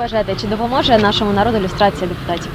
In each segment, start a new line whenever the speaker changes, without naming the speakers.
вважаєте, чи допоможе нашому народу люстрація депутатів?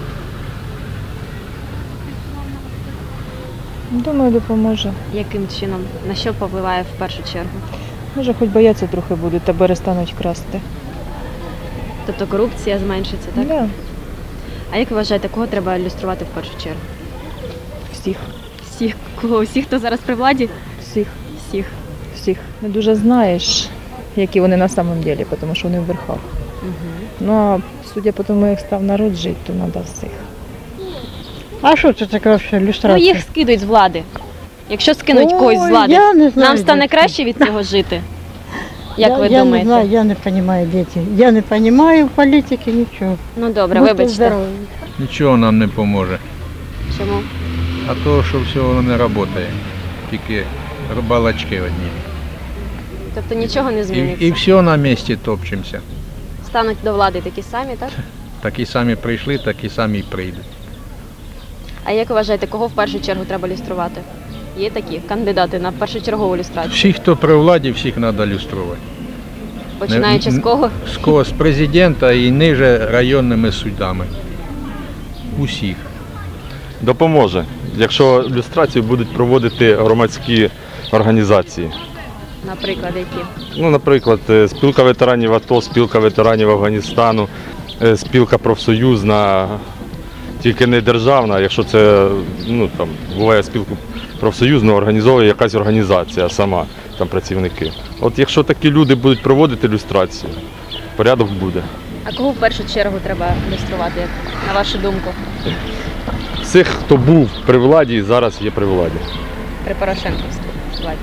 Думаю, допоможе.
Яким чином? На що повпливає в першу чергу?
Може, хоч бояться трохи будуть та перестануть красти.
Тобто корупція зменшиться, так?
Да,
А як ви вважаєте, кого треба люструвати в першу чергу?
всіх,
Всіх. Кого? Всіх, хто зараз при владі?
всіх,
Всіх.
всіх. Не дуже знаєш, які вони на самом деле, тому що вони в верхах.
Угу.
Ну, а судя по тому, як став народ жити, то треба всіх.
А що це таке взагалі
Ну,
люстрація?
їх скидують з влади. Якщо скинуть когось з
Ой,
влади,
я не знаю,
нам стане
дітки.
краще від цього жити? Як ви
Я
думаєте?
не знаю, я не розумію, діти. Я не розумію політики, нічого.
Ну добре,
Будьте
вибачте.
здорові.
Нічого нам не поможе.
Чому?
А то, що все воно не працює. Тільки балачки одні.
Тобто нічого не зміниться?
І все на місці топчемося.
Стануть до влади такі самі, так?
Такі самі прийшли, такі самі й прийдуть.
А як ви вважаєте, кого в першу чергу треба люструвати? Є такі кандидати на першочергову люстрацію?
Всі, хто при владі, всіх треба люструвати.
Починаючи з кого?
З кого? З президента і ниже районними судами. Усіх.
Допоможе, якщо люстрацію будуть проводити громадські організації.
Наприклад, які?
Ну, наприклад, спілка ветеранів АТО, спілка ветеранів Афганістану, спілка профсоюзна, тільки не державна, якщо це, ну, там, буває спілку профсоюзну, організовує якась організація сама, там працівники. От якщо такі люди будуть проводити люстрацію, порядок буде.
А кого в першу чергу треба люструвати, на вашу думку,
Всіх, хто був при владі і зараз є при владі.
при Порошенківській владі?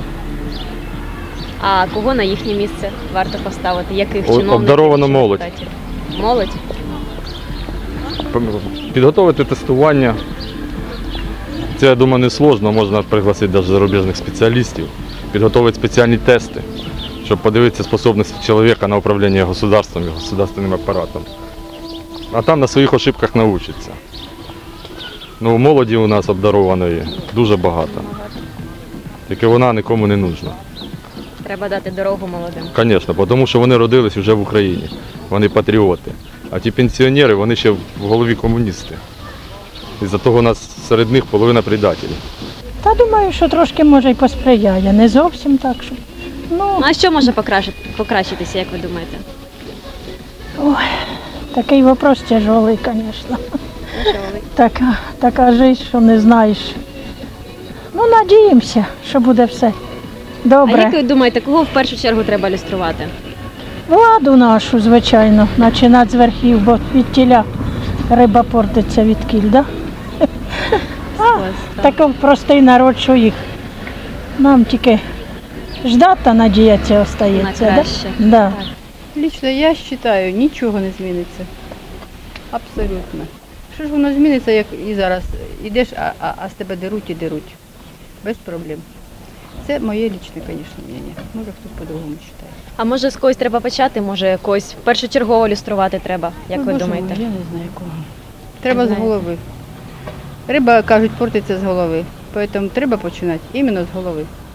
А кого на їхнє місце варто поставити? Яких чиновників?
Обдарована
чи
молодь.
депутатів? Молодь?
Підготовити тестування. Це, я думаю, не складно, можна пригласити навіть зарубіжних спеціалістів, підготовити спеціальні тести, щоб подивитися спроможності чоловіка на управління государством і государственним апаратом. А там на своїх ошибках навчиться. Ну, молоді у нас обдарованої дуже багато. Тільки вона нікому не нужна.
Треба дати дорогу молодим.
Звісно, тому що вони родились вже в Україні, вони патріоти. А ті пенсіонери, вони ще в голові комуністи. Із-за того у нас серед них половина предателів.
Та думаю, що трошки може й посприяє, не зовсім так, що. Ну,
А що може покращитися, як ви думаєте?
ой, такий вопрос тяжелий, звісно. Така життя, що не знаєш. Ну, надіємося, що буде все
А
добре.
як ви думаєте, кого в першу чергу треба люструвати?
Владу нашу, звичайно, починати з верхів, бо від тіля риба портиться від кіль, да? Такий простий народ, що їх. Нам тільки ждати та надіятися
На
остається.
краще.
Да?
Лично я вважаю, нічого не зміниться. Абсолютно. Що ж воно зміниться, як і зараз ідеш, а з тебе деруть і деруть. Без проблем. Це моє лічне, звісно, мнення. Може хтось по-другому вважає.
А може з когось треба почати, може когось першочергово люструвати треба, як ви
Боже
думаєте?
мой, я не знаю кого. Треба з
знаєте.
голови. Риба, кажуть, портиться з голови. Тому треба починати іменно з голови.